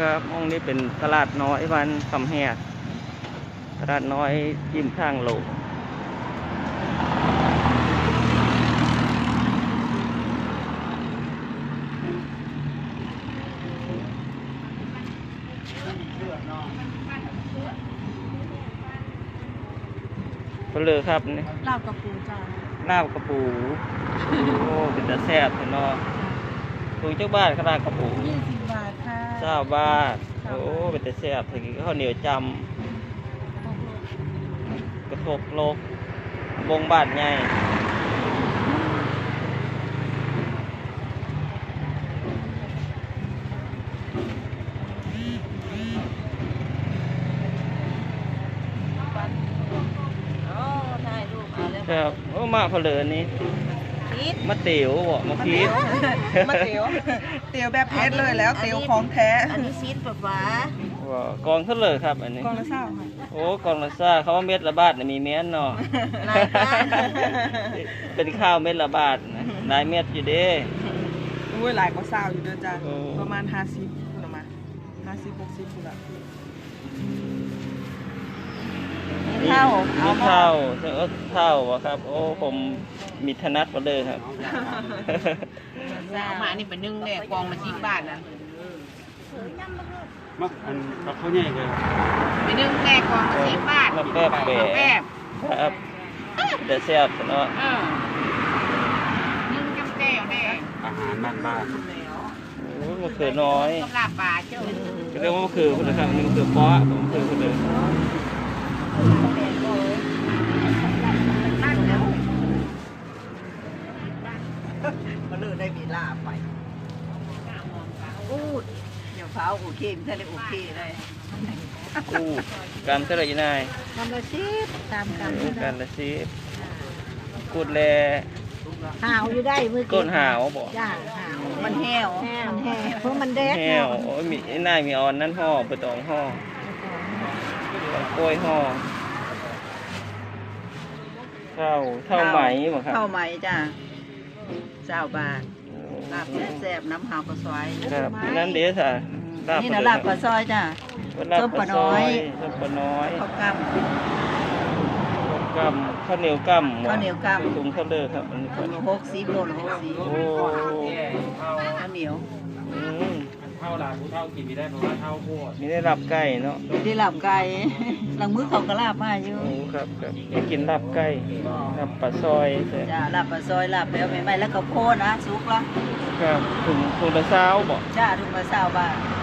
ครับมองนี้เป็นตลาดน้อยวันคำแหกตลาดน้อยยิ้มข้างโลกก็เลยครับนี่ลาบกับปูจ้าลาบกระปูโอ้เป็นตาแซ่บเนาะถุงจักบาทขนาดกระปู 20 บาทค่ะ 20 บาทโอ้เป็นตาแซ่บถึงข้าวเหนียวจำกระทบโลกวงบาทใหญ่ครับโอ้มาเพลินนี่มะเตี๋ยวบ่มะพีชมาเตี๋ยวเตี๋ยวแบบเพชรเลยแล้วเตี๋ยวของแท้อันนี้ซีดแบบว่ากองเท่าเลยครับอันนี้กองละเศร้าค่ะโอ้กองละซ่าเขาว่าเม็ดละบาทน่ะมีแม่นเนาะรายการเป็นข้าวเม็ดละบาทนะหลายเม็ดอยู่เด้อุ้ยหลายกว่าเศร้าอยู่เด้อจ้าโอ้ประมาณ50คุณมา50-60คุณละมีเท่ามีเท่าเออเท่าวะครับ โอ้ผมมีธนัดมาเลยครับเอามานี่เป็นนึ่งแน่กองละ10 บาทนะมักอันกับข้าวใหญ่เลยเป็นนึ่งแน่กองละ10 บาทมาแป๊บแปะแป๊บครับแต่แซ่บเนาะนึ่งจำแก้วแน่อาหารบ้านโอ้มะเขือน้อยสำหรับปลาเจ้าก็เรียกว่ามะเขือคนละครับนี่มะเขือเปาะผมมะเขือคนเลยมาเลือกได้มีลาบไปอูดเดี๋ยวเฝ้าโอเคมันจะได้โอเคเลยอู้การเท่าไหร่นายกำละ10ตามกำการละสิบกูดแลหาวอยู่ได้มือก้นหาวบ่จ้าหาวมันแห้วมันแห้วเพราะมันแดดแห้วโอ้ยมีไอ้นายมีออนนั่นห่อไปตองห่อโกล้วยห่อเท่าไหมบ่ครับเข้าไหมจ้า20 บาทลาบแซ่บน้ำหาวกระซอยครับนั่นเด้อค่ะนี่นะลาบกระซอยจ้าลาบส้มปปลาลาน้น้ออย ยส้มปลาน้อยข้าวกกำข้าวเหนียวกำข้าวเหนียวกำถุงเท่าเด้อครับอันนี้ครับำ60 โลละโอ้ 60ข้าวเหนียวอืมๆเท่าหลานผู้เท่ากินไม่ได้เพราะว่าเท่าโคตรมีได้รับไก่เนาะได้ลาบไก่หลังมื้อเขาก็ลาบมาอยู่โอ้ครับครับอยากกินลาบไก่ลาบปลาซอยใช่จ้าลาบปลาซอยลาบแล้วใหม่ๆแล้วก็โพดนะสุกละครับถุงละ20บ่จ้าถุงละ20 บาท